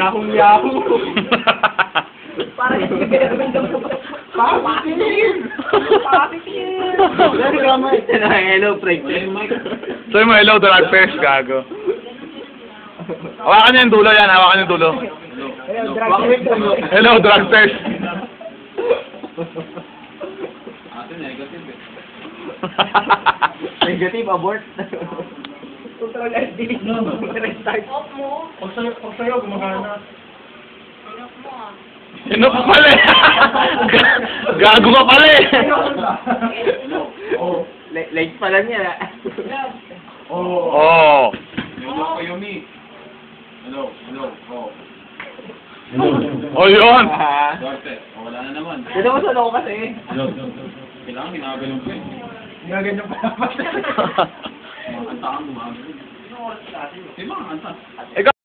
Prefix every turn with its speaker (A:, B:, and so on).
A: Yahoo Yahoo! Parang Positive! Positive! Hello, Frank.
B: Sabi mo, hello, drug test, gago. Hawakan niyo yung dulo yan, hawakan yung dulo. Hello, drug test.
A: Negative, abort. Control and delete. Restart.
C: Off mo.
A: Pag sa'yo, gumagana.
C: Off mo ah.
B: Ano ka pala eh? Gago ka pala eh.
A: Oh, legs pala niya.
B: Oh.
D: Hello, Yumi. Hello, hello, oh.
B: Oh, yun.
D: Dorte, oh, wala na naman.
A: Dito ko sa loko kasi.
D: Kailangan ginagalong ko eh.
A: Gaganyan pa naman.
D: Mga kanta kang gumagano. Di ba, kanta?
B: Ikaw